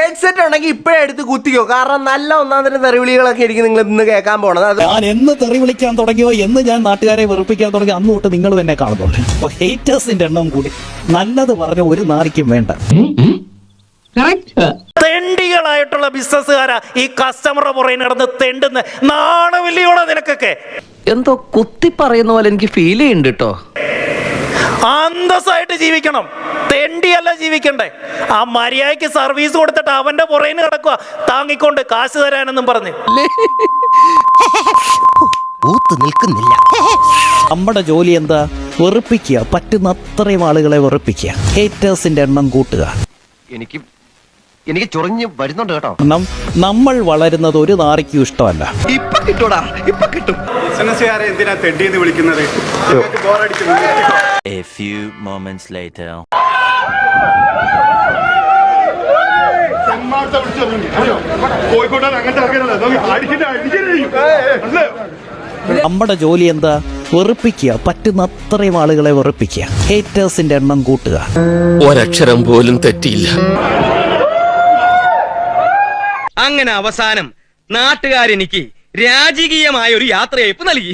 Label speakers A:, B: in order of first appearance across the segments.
A: Headset ഉണ്ടെങ്കിൽ ഇപ്പോഴേ എടുത്ത് കുത്തിക്കോ. കാരണം നല്ല ഒന്നാന്തരം തെറിവിളികളൊക്കെ ആയിരിക്കും നിങ്ങൾ ഇന്ന് കേൾക്കാൻ പോണത്.
B: ഞാൻ എന്ന് തെറി വിളിക്കാൻ തുടങ്ങിയോ, എന്ന് ഞാൻ നാട്ടുകാരെ വെറുപ്പിക്കാൻ തുടങ്ങി, അന്ന് തൊട്ട് നിങ്ങൾ തന്നെ കാണുന്നുണ്ട്. അപ്പൊ ഹേറ്റേഴ്സിന്റെ എണ്ണം കൂടി. നല്ലത് പറഞ്ഞ ഒരു നാരിക്കും വേണ്ട.
C: തെണ്ടികളായിട്ടുള്ള ബിസിനസ്സുകാരാ ഈ കസ്റ്റമറുടെ പുറകെ നടന്ന് തെണ്ടുന്ന. നാണമില്ലയോടെ നിനക്കൊക്കെ?
D: എന്തോ കുത്തി പറയുന്ന പോലെ എനിക്ക് ഫീൽ ചെയ്യുന്നുണ്ട് കേട്ടോ.
C: അന്തസ്സായിട്ട് ജീവിക്കണം, തെണ്ടിയല്ല ജീവിക്കണ്ടേ. ആ മര്യാദയ്ക്ക് സർവീസ് കൊടുത്തിട്ട് അവന്റെ പുറകിന് കിടക്കുക താങ്ങിക്കൊണ്ട് കാശ് തരാനെന്നും പറഞ്ഞ്.
B: നമ്മുടെ ജോലി എന്താ? വെറുപ്പിക്കുക, പറ്റുന്ന അത്രയും ആളുകളെ വെറുപ്പിക്കുക, ഹേറ്റേഴ്സിന്റെ എണ്ണം കൂട്ടുക.
E: എനിക്ക് ചൊറിഞ്ഞ് വരുന്നുണ്ട് കേട്ടോ.
B: നമ്മൾ വളരുന്നത് ഒരു നാറിക്കും ഇഷ്ടമല്ല.
E: ഇപ്പൊ കിട്ടൂടാ, ഇപ്പൊ കിട്ടും.
F: ബിസിനസ്സുകാരെ എന്തിനാ തെണ്ടിയെന്ന് വിളിക്കുന്നത്?
G: A few moments later.
B: നമ്മുടെ ജോലി എന്താ? വെറുപ്പിക്കുക, പറ്റുന്ന അത്രയും ആളുകളെ വെറുപ്പിക്കുക, ഹേറ്റേഴ്സിന്റെ എണ്ണം കൂട്ടുക.
H: ഒരക്ഷരം പോലും തെറ്റിയില്ല.
I: അങ്ങനെ അവസാനം നാട്ടുകാരെനിക്ക് രാജകീയമായ ഒരു യാത്രയയപ്പ് നൽകി.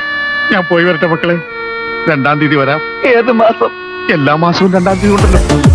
F: ഞാൻ പോയി വരട്ടെ മക്കളെ. 2-ാം തീയതി വരാം. ഏത് മാസം? എല്ലാ മാസവും 2-ാം തീയതി ഉണ്ടല്ലോ.